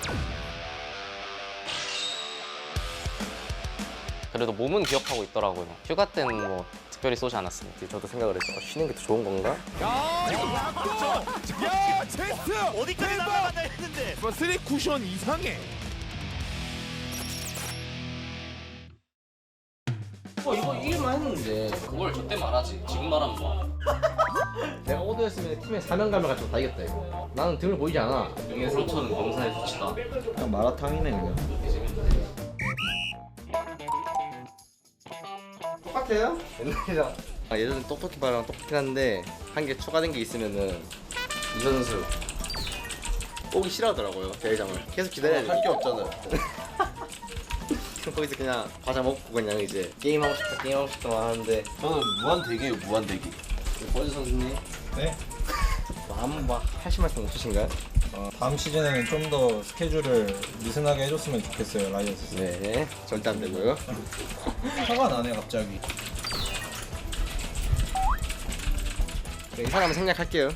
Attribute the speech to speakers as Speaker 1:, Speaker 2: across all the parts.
Speaker 1: 그래도 몸은 기억하고 있더라고요. 휴가 때는 뭐 특별히 쏘지 않았습니다.
Speaker 2: 저도 생각을 했죠. 쉬는 게 더 좋은 건가?
Speaker 3: 야, 체스트!
Speaker 4: 어디까지 날아갔나 했는데.
Speaker 3: 쓰리 쿠션 이상해.
Speaker 2: 이거 이길만 했는데
Speaker 1: 그걸 저때 말하지. 지금 말하면 뭐.
Speaker 2: 내가 오더였으면 팀의 사명감을 가지고 다 이겼다 이거. 나는 등을 보이지 않아.
Speaker 1: 이게 상처는 검사의 수치다.
Speaker 2: 그냥 마라탕이네 그냥. 똑같아요? 옛날이랑 예전에 똑똑히 바랑 똑같긴 한데 한 개 추가된 게 있으면은 이 선수 오기 싫어하더라고요 대회장을. 계속 기다려야 돼.
Speaker 5: 할 게 없잖아요.
Speaker 2: 거기서 그냥 과자 먹고 그냥 이제 게임하고 싶다만 하는데
Speaker 5: 저는 무한대기예요, 무한대기.
Speaker 2: 버즈 선수님
Speaker 6: 네.
Speaker 2: 막 하실 말씀 없으신가요?
Speaker 6: 다음 시즌에는 좀 더 스케줄을 느슨하게 해줬으면 좋겠어요, 라이언스.
Speaker 2: 네 절대 안 되고요.
Speaker 6: 화가 나네, 갑자기.
Speaker 2: 네, 이 사람은 생략할게요.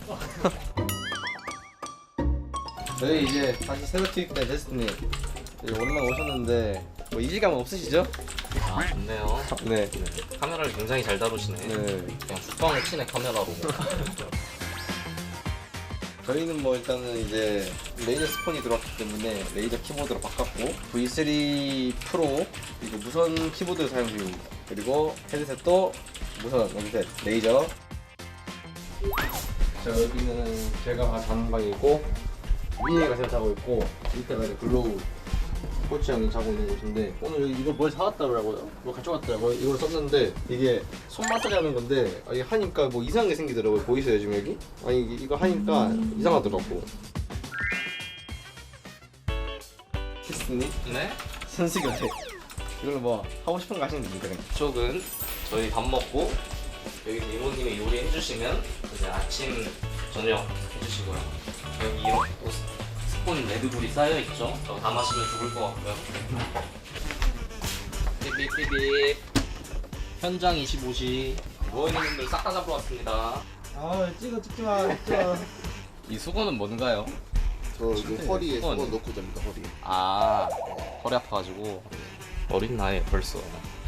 Speaker 2: 저희 이제 다시 새로 투입된 제스트님 오랜만에 오셨는데 뭐 이질감은 없으시죠?
Speaker 1: 아, 좋네요.
Speaker 2: 네.
Speaker 1: 카메라를 굉장히 잘 다루시네.
Speaker 2: 네.
Speaker 1: 그냥 죽방을 치네, 카메라로.
Speaker 2: 저희는 뭐 일단은 이제 레이저 스폰이 들어왔기 때문에 레이저 키보드로 바꿨고 V3 프로 그리고 무선 키보드를 사용 중입니다. 그리고 헤드셋도 무선 헤드셋 레이저. 자 여기는 제가 자는 방이고 위에가 제가 자고 있고 밑에가 이제 글로우 코치 형이 자고 있는 곳인데 오늘 여기 이거 뭘 사왔더라고요. 뭐 가져왔더라고요. 이걸 썼는데 이게 손 마사지 하는 건데 이게 하니까 뭐 이상한 게 생기더라고요. 보이세요 지금 여기? 아니 이거 하니까 이상하더라고. 키스님
Speaker 1: 네?
Speaker 2: 선수 교체. 이걸로 뭐 하고 싶은 거 하시면 됩니다. 그냥.
Speaker 1: 이쪽은 저희 밥 먹고 여기 이모님이 요리해 주시면 이제 아침 저녁 해주시고요. 여기 이렇게 또 스폰 레드불이 쌓여 있죠. 저거 다 마시면 죽을 것 같고요. 삐삐삐삐. 현장 25시 누워있는 분들 싹 다 잡으러 왔습니다.
Speaker 6: 아, 찍지 마.
Speaker 1: 이 수건은 뭔가요?
Speaker 5: 저 이거 허리에
Speaker 1: 수건.
Speaker 5: 수건 넣고 잡니다, 허리에.
Speaker 1: 아, 허리 아파가지고 어린 나이에 벌써.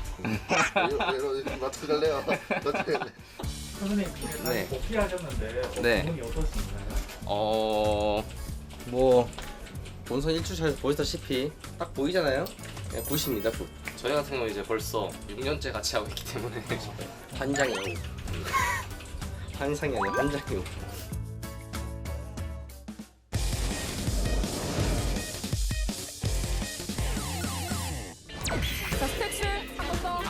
Speaker 5: 나한테 갈래요? 나한테 갈래?
Speaker 7: 선생님,
Speaker 1: 네.
Speaker 7: 복귀하셨는데
Speaker 1: 네.
Speaker 7: 기분이 어떠신가요?
Speaker 2: 뭐 본선 1주차에서 보시다시피 딱 보이잖아요. 그냥 굿입니다 굿.
Speaker 1: 저희 같은 경우 이제 벌써 6년째 같이 하고 있기 때문에
Speaker 2: 환장이에요. 환상이 아니라 환장이에요.
Speaker 8: 자, 스택스 한번 더.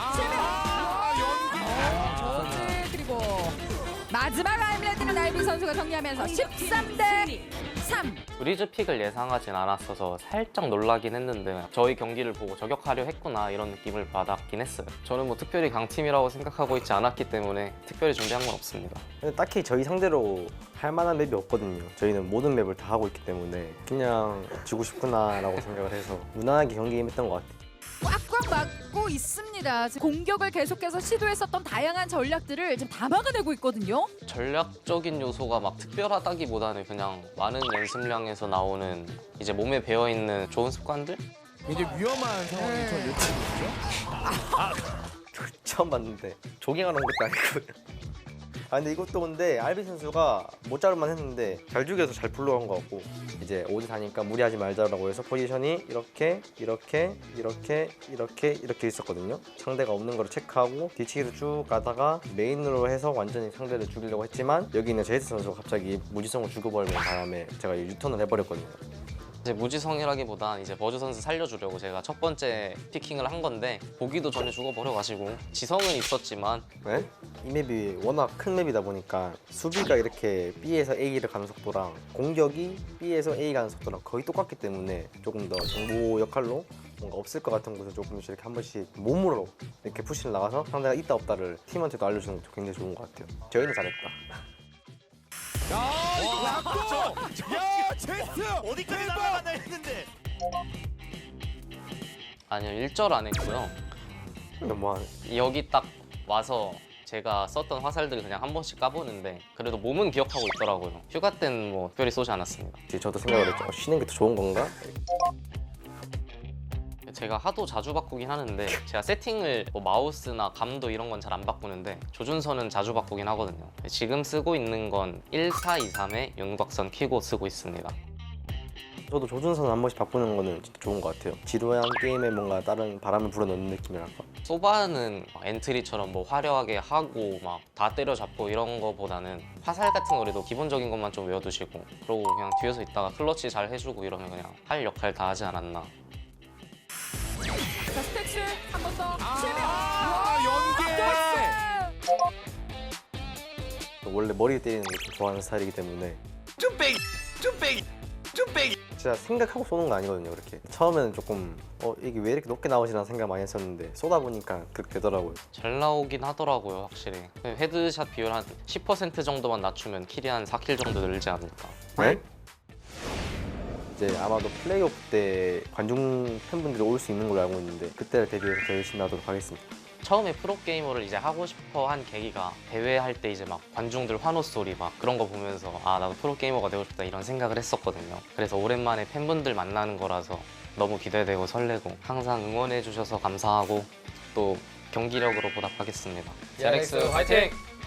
Speaker 8: 네, 그리고 마지막 아임레드는 알빈 선수가 정리하면서 13대 3.
Speaker 1: 브리즈 픽을 예상하진 않았어서 살짝 놀라긴 했는데 저희 경기를 보고 저격하려 했구나 이런 느낌을 받았긴 했어요. 저는 뭐 특별히 강팀이라고 생각하고 있지 않았기 때문에 특별히 준비한 건 없습니다.
Speaker 2: 근데 딱히 저희 상대로 할 만한 맵이 없거든요. 저희는 모든 맵을 다 하고 있기 때문에 그냥 지고 싶구나라고 생각을 해서 무난하게 경기했던 것 같아요.
Speaker 8: 꽉꽉 막고 있습니다. 지금 공격을 계속해서 시도했었던 다양한 전략들을 지금 다 막아내고 있거든요.
Speaker 1: 전략적인 요소가 막 특별하다기보다는 그냥 많은 연습량에서 나오는 이제 몸에 배어있는 좋은 습관들?
Speaker 3: 이제 위험한 상황이 저 예측이죠.
Speaker 2: 처음 봤는데 조깅하러 온 것도 아니고. 아 근데 이것도 근데 알비 선수가 못 자를만 했는데 잘 죽여서 잘 불러간 것 같고 이제 5대4니까 무리하지 말자라고 해서 포지션이 이렇게 있었거든요. 상대가 없는 거를 체크하고 뒤치기로 쭉 가다가 메인으로 해서 완전히 상대를 죽이려고 했지만 여기 있는 제이스 선수가 갑자기 무지성을 죽여버리는 바람에 제가 유턴을 해버렸거든요.
Speaker 1: 이제 무지성이라기보단 이제 버즈 선수 살려주려고 제가 첫 번째 피킹을 한 건데 보기도 전에 죽어버려가지고 지성은 있었지만
Speaker 2: 네? 이 맵이 워낙 큰 맵이다 보니까 수비가 이렇게 B에서 A를 가는 속도랑 공격이 B에서 A 가는 속도랑 거의 똑같기 때문에 조금 더 정보 역할로 뭔가 없을 것 같은 곳에 조금씩 이렇게 한 번씩 몸으로 이렇게 푸시를 나가서 상대가 있다 없다를 팀한테도 알려주는 것도 굉장히 좋은 것 같아요. 저희는 잘했다.
Speaker 3: 야, 이거 약도! 야, 체스트!
Speaker 4: 어디까지 날아갔나 했는데.
Speaker 1: 아니요 1절 안 했고요.
Speaker 2: 너무하네.
Speaker 1: 여기 딱 와서 제가 썼던 화살들을 그냥 한 번씩 까보는데 그래도 몸은 기억하고 있더라고요. 휴가 때는 뭐 특별히 쏘지 않았습니다.
Speaker 2: 이제 저도 생각을 했죠. 쉬는 게 더 좋은 건가?
Speaker 1: 제가 하도 자주 바꾸긴 하는데 제가 세팅을 뭐 마우스나 감도 이런 건 잘 안 바꾸는데 조준선은 자주 바꾸긴 하거든요. 지금 쓰고 있는 건 1423의 윤곽선 키고 쓰고 있습니다.
Speaker 2: 저도 조준선 한 번씩 바꾸는 거는 진짜 좋은 것 같아요. 지루한 게임에 뭔가 다른 바람을 불어넣는 느낌이랄까.
Speaker 1: 소바는 엔트리처럼 뭐 화려하게 하고 막 다 때려잡고 이런 거보다는 화살 같은 거라도 기본적인 것만 좀 외워두시고 그러고 그냥 뒤에서 있다가 클러치 잘 해주고 이러면 그냥 할 역할 다 하지 않았나.
Speaker 8: 자, 스택스 한 번 더.
Speaker 3: 연계.
Speaker 2: 원래 머리 때리는 걸 좀 좋아하는 스타일이기 때문에
Speaker 4: 쭈빼기
Speaker 2: 진짜 생각하고 쏘는 거 아니거든요. 그렇게 처음에는 조금 이게 왜 이렇게 높게 나오지라는 생각 많이 했었는데 쏘다 보니까 그렇게 되더라고요.
Speaker 1: 잘 나오긴 하더라고요, 확실히. 헤드샷 비율 한 10% 정도만 낮추면 킬이 한 4킬 정도 늘지 않을까.
Speaker 2: 네? 이제 아마도 플레이오프 때 관중 팬분들이 올 수 있는 걸로 알고 있는데 그때를 대비해서 더 열심히 하도록 하겠습니다.
Speaker 1: 처음에 프로게이머를 이제 하고 싶어 한 계기가 대회할 때 이제 막 관중들 환호 소리 막 그런 거 보면서 아, 나도 프로게이머가 되고 싶다 이런 생각을 했었거든요. 그래서 오랜만에 팬분들 만나는 거라서 너무 기대되고 설레고 항상 응원해 주셔서 감사하고 또 경기력으로 보답하겠습니다. 제렉스 화이팅!